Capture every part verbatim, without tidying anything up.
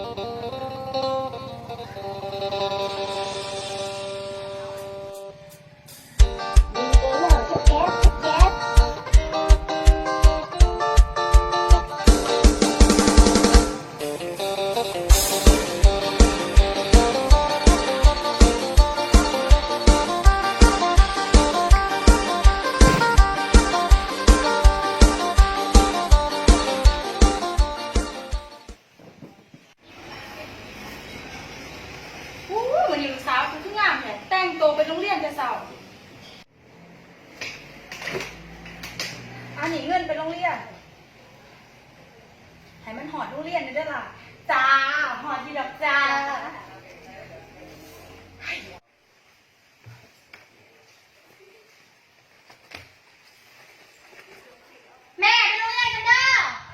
วันนี้ลูกสาวคือทุกงามเนี่ยแต่งตัวไปโรงเรียนจะเสาร์อันนี้เงินไปโรงเรียนให้มันหอดโรงเรียนได้ด้วยล่ะจ้าหอดที่ดอกจ้าแม่ไปโรงเรียนกันเด้อ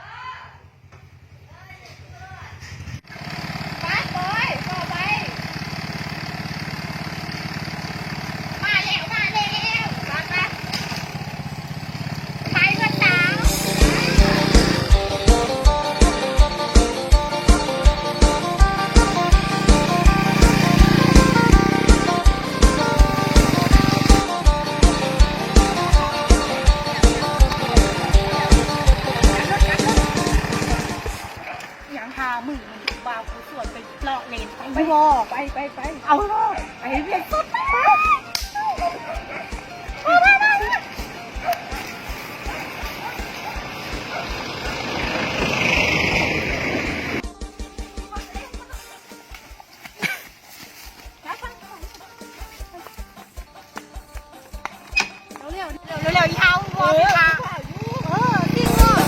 มือมันบาวกูส่วนไปเลาะเลนไปไปไปไปไปเอาไปเรียนสุดเร็วเร็วเร็วเร็วเท้าวัวพี่ค่ะเออจริงอ่ะ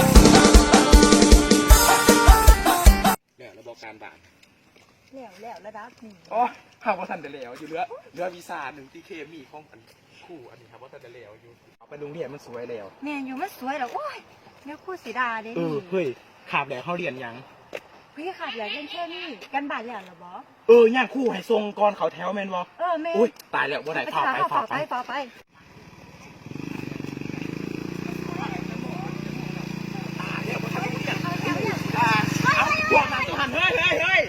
การบ้านแล้วแล้วระดับนี้อ๋อหากว่าท่านจะแล้วอยู่เรือเรือวีซ่าหนึ่งที่เคมีของอันคู่อันนี้ครับว่าท่านจะแล้วอยู่เอาไปโรงเรียนมันสวยแล้วแม่อยู่มันสวยแล้วโอ้ยเนี่ยคู่สีดาเด้เออเฮ้ยขาบแล้วเขาเรียนยังพี่ขาดอยากเล่นแค่นี้กันบาดแล้วเหรอบอเออย่างคู่ให้ทรงก่อนเขาแถวแมนวอเออแม่อุ้ยตายแล้วว่าไหนฝ่าไปฝ่าไปฝ่าไปพวกนั้นหันเฮ้ยเฮ้ยเฮ้ย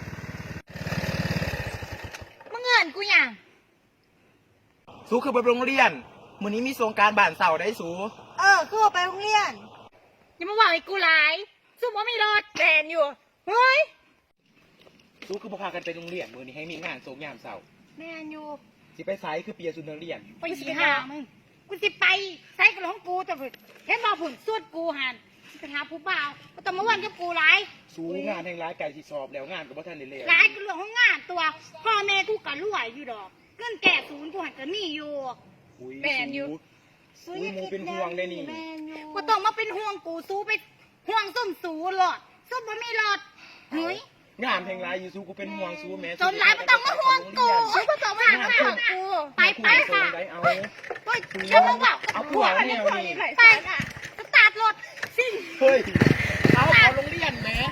มึงเงินกูยังสู้คือไปโรงเรียนมื้อนี้มีโครงการบ้านเสาได้สู้เออคือไปโรงเรียนยังมาบอกไอ้กูหลายสู้ว่ามีรถแดนอยู่เฮ้ยสู้คือพากันไปโรงเรียนมื้อนี้ให้มีงานโครงยามเสาแม่นอยู่สิไปไซคือเปียสุนทรเรียนไปสิหามึงกูสิไปไซกับของกูแต่เห็นมาผุนสวดกูหันไปหาผู้บ่าวก็ต้องมาวันกับกูหลายสู้งานแห่งร้ายไก่ที่สอบแล้วงานกับว่าท่านได้เลยร้ายกูเรื่องของงานตัวพ่อแม่กูกะรวยอยู่ดอกเงินแก่ศูนย์กูหันก็มีอยู่แม่นอยู่สู้มูเป็นห่วงได้นี่กูต้องมาเป็นห่วงกูสู้ไปห่วงส้มสูหลอดส้มบ่มีหลอดเฮ้ยงานแห่งร้ายอยู่สู้กูเป็นห่วงสู้แม่จนร้ายไม่ต้องมาห่วงกูกูต้องมาห่วงกูไปไปค่ะเอาเฮ้ยจะมาบอกเอาผัวเนี่ยไปสตาร์ทรถสิเฮ้ยเอาเอาโรงเรียนแม่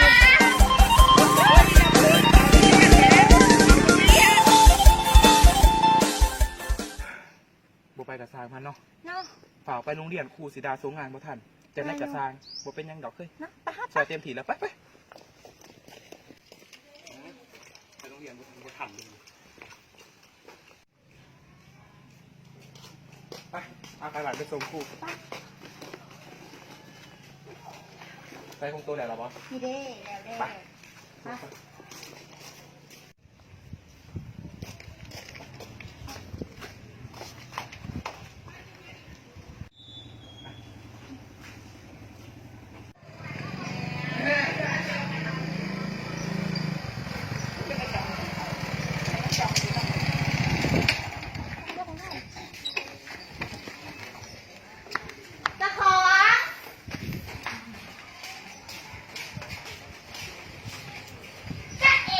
บ่ไปกับซางพันเนาะฝากไปโรงเรียนครูศิดาสงงานบ่ทันจะได้กับซางบ่เป็นยังดอกเคยใส่เต็มที่แล้วไปไปไปโรงเรียนบ่ทันบ่ทันเลยไปเอาไปหลานไปส่งครูไปคงตัวไหนหรอบอสนี่เด้แล้วเด้ไปเ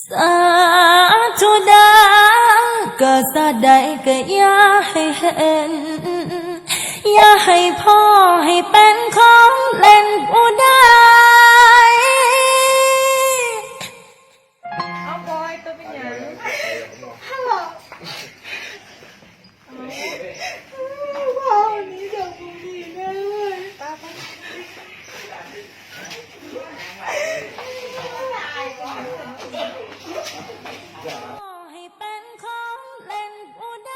สาธุดาก็สะใดก็อย่าให้เห็น อย่าให้พ่อให้เป็นของเล่นผู้ใดเอาบอยตัวเป็นหยังฮัลโหลพ่อวันนี้เดี๋ยวพรุ่งนี้แน่เลยป้าป้าให้เป็นของเล่นผู้ใด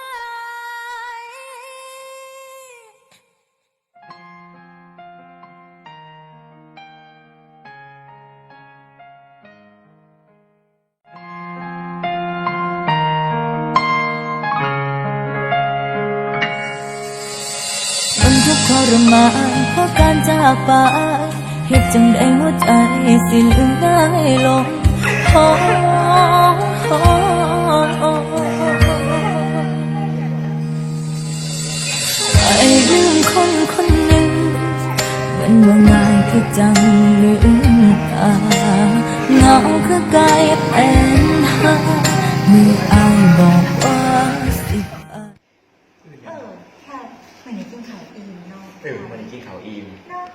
มันทุกข์ทรมานเพราะการจากไปเหตุจังใดหัวใจสิลืมได้ลงโอ้โอ้โอ้ไอ้ลืมคนคนหนึ่งมันว่าง่ายคือจังลืมตาเหงาคือกลายเป็นหาเมื่ออายบอกว่าสิไปเออแค่เหมือนกินข้าวอิ่มเนาะเออมันกินข้าวอิ่มเนาะ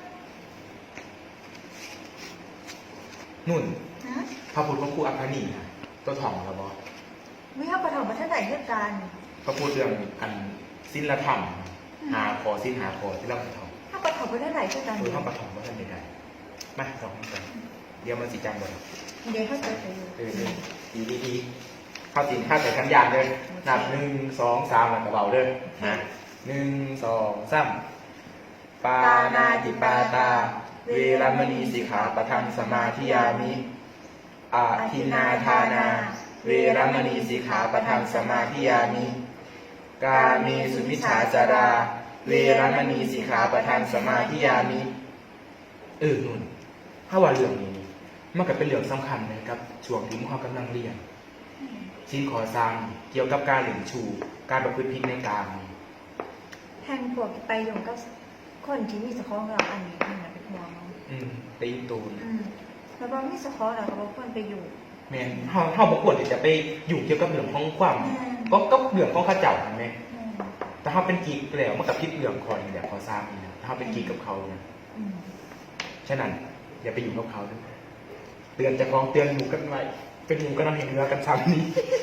นุ่นนะพระพุทธพระครูอัคคณีนะตัวถ่องแล้วบอไม่เอาประถมมาท่านไหนเรื่องกันพระพูดเรื่องอันสิ้นละธรรมหาคอสิ้นหาคอที่เราไปถ่องถ้าประถมมาท่านไหนเรื่องกันคือเดี๋ยวข้าประถ่องว่าท่านใดๆมาสองกันเดี๋ยวมันสีจังเลยเดี๋ยวเขาจะไปอยู่เออดีดีดีเข้าจริงข้าแต่ขันยานเลยนับหนึ่งสองสามหลังกระเบาเลยนะหนึ่งสองสามปานาติปาตา เวรมณีสิกขาปะทังสมาธิยามิอาทินนาทานา เวรมณีสิกขาปะทังสมาธิยามิกาเมสุมิชฌาจารา เวรมณีสิกขาปะทังสมาธิยามิเออนุ่นถ้าว่าเรื่องนี้นี่มันก็เป็นเรื่องสำคัญนะครับช่วงที่เขากำลังเรียนชิ้นขอสร้างเกี่ยวกับการเหลี่ยมชู การประพฤติผิดในการแทนพวกไปอยู่ก็คนที่มีสคองเราอันนี้มันเป็นห่วงเนาะอืมตีตูนอืมแล้วบางมีสคองเราก็บอกควรไปอยู่แม่นเฮาเฮาบ่ควรที่จะไปอยู่เกี่ยวกับเรื่องของความอืมก็ก็เรื่องของข้าเจ้าเห็นไหมอืมแต่เฮาเป็นกิ๊กแล้วมันกับคิดเรื่องคอยนี่แหละขอสร้างนี่นะถ้าเฮาเป็นกิ๊กกับเขานะอืมฉะนั้นอย่าไปอยู่กับเขาด้วยเตือนเจะคลองเตือนหมู่กันไว้เป็นหมู่กันนำแห่งเรือกันซ้ำนี้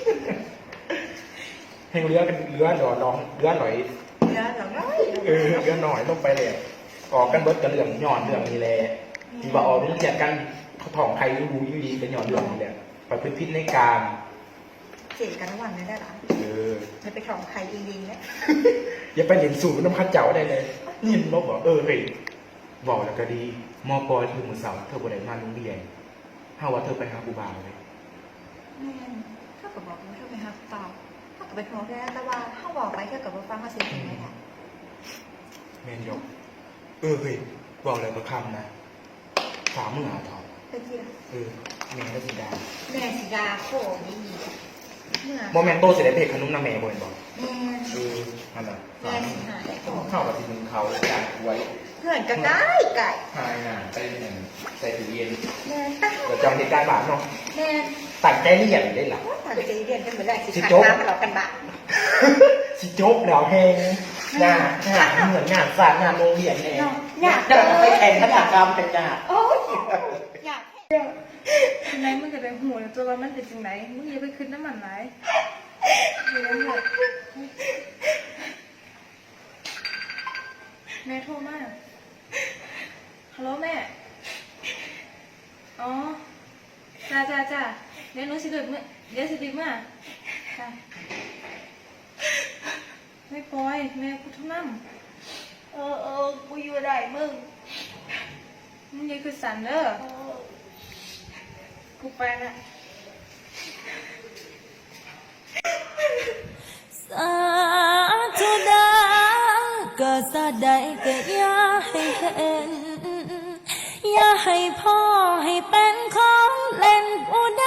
แห่งเรือกันเรือหล่อน้องเรือหน่อยเดี๋ยวเราเนาะเออเรือหน่อยลงไปเลยออกกันเบิดกับเรื่องย้อนเรื่องนี้แหละที่ว่าออกโรงเรียนกันถ่องใครรู้อยู่ดีเป็นย้อนเรื่องนี้แหละประพฤติผิดในการเจ๋กันระหว่างนั้นได้หรอเออจะไปของใครจริงๆเนี่ยอย่าไปเรียนสูงน้ำข้าเจ้าได้เลยยินบอกบอกเออเฮ้ยบอกแล้วก็ดีมอปอยคือมือเสาร์เธอบ่ได้มาโรงเรียนถ้าว่าเธอไปหาครูบาเลยแม่นถ้ากับบอกว่าเธอไปหาเปล่าถ้ากับไปขอแค่แต่ว่าถ้าบอกไปเท่ากับว่าฟังเขาเสียงยังไงล่ะแมนยกเออเฮ้ยบอกแล้วก็คำนะสามมือหาทองไปเที่ยวเออแม่ก็สีดาแม่สิดาโคนี่เมื่อโมเมนโตเสร็จเพจขนมน้ำแม่บ่นบอกแม่เออนั่นแหละแม่สิหาได้โคเข้ากับที่มึงเขาการไว้เพื่อนก็ได้ไก่หายงานใส่หนึ่งใส่ตู้เย็นแม่ตั้งเดี๋ยวจำเหตุการณ์บาปเนาะแม่ตัดใจเรียนได้หรอว่าจะเรียนกันเหมือนแรกสิสิขัดโจ๊กน้ำมาหลอกกันบ้าสิจบแล้วแหงงานงานเหมือนงานสารงานโรงเรียนแหงอยากจะไปแข่งคณะกรรมเป็นงานโอ้ยอยากจังไหนมึงจะไปหูแล้วตัวว่ามันเป็นจังไหนมึงอย่าไปขึ้นน้ำมันไหลเดี๋ยวเถอะแม่โทรมาฮัลโหลแม่ อ๋อ จ้าจ้าจ้าเดี๋ยวหนูสิเดินเมื่อเดี๋ยวสิดิมาจ้าไม่ปล่อยแม่กูทุ่มน้ำเออเออกูอยู่ได้มึงมึงอยังคือสันเด้อกูไปละสาธุดาก็สะใดก็อย่าให้เห็น อย่าให้พ่อให้เป็นของเล่นผู้ใด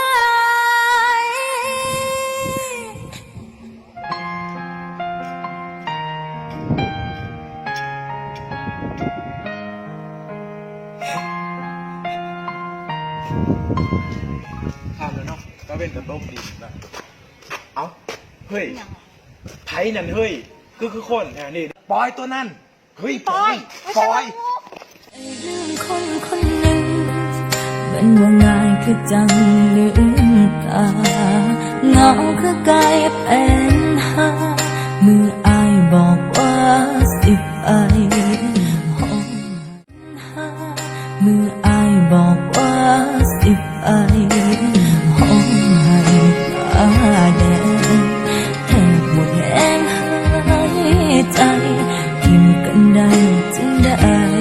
เทำแล้วเนาะก็เป็นกระต้มดีนะเอ้าเฮ้ยไทยนั่นเฮ้ยคือคือคนแถวนี้ปอยตัวนั่นเฮ้ยปอยปอยเรื่องคนคนหนึ่งเป็นว่าง่ายคือจังลืมตาเหงาคือกลายเป็นหามืออายบอกว่าสิไปห้องหามืออายบอกว่าสิไปห้องให้ฟ้าแดงแทบหมดแรงหายใจทิมกันได้จึงได้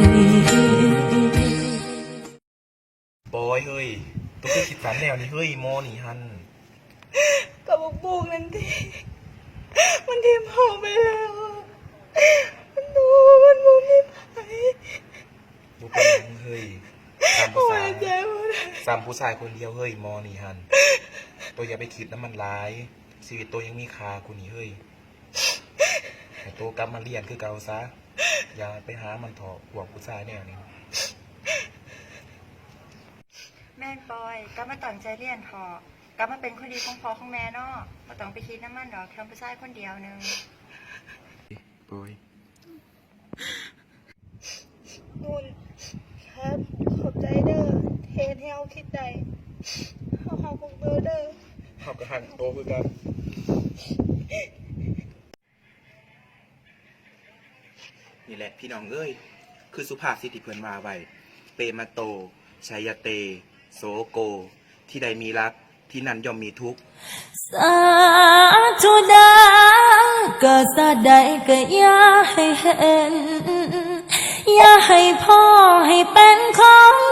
บอยเฮ้ยตัวคือคิดสันแนวนี้เฮ้ยโมนี่ฮันกับบุกบุกนั่นทีมันทีมพ่อไปแล้วมันดูมันมุมไม่ไปบุเป็นหยังเฮ้ยตามภาษาเจ็บสามผู้ชายคนเดียวเฮ้ยโมนี่ฮันตัวอย่าไปคิดน้ำมันร้ายชีวิตตัวยังมีค่ากูนี่เฮ้ยแต่ตัวกลับมาเรียนคือเก่าซะอย่าไปหามันเถอะห่วงผู้ชายแนวนี้แม่ปอยก็มาตั้งใจเรียนพอกลับมาเป็นคนดีของพ่อของแม่เนาะมาต้องไปคิดน้ำมันดอกทำผู้ชายคนเดียวหนึงบอยนุ่นครับขอบใจเด้อเทนให้เอาคิดใจเอาเขาคงเบอร์เด้อขับกระหันโตคือกันนี่แหละพี่น้องเอ้ยคือสุภาพสิทธิเพิ่นว่าไว้เปมาโตชัยเต โสโก ที่ใดมีรักที่นั่นย่อมมีทุกข์สาธุดาก็สะใดก็อย่าให้เห็น อย่าให้พ่อให้เป็นของ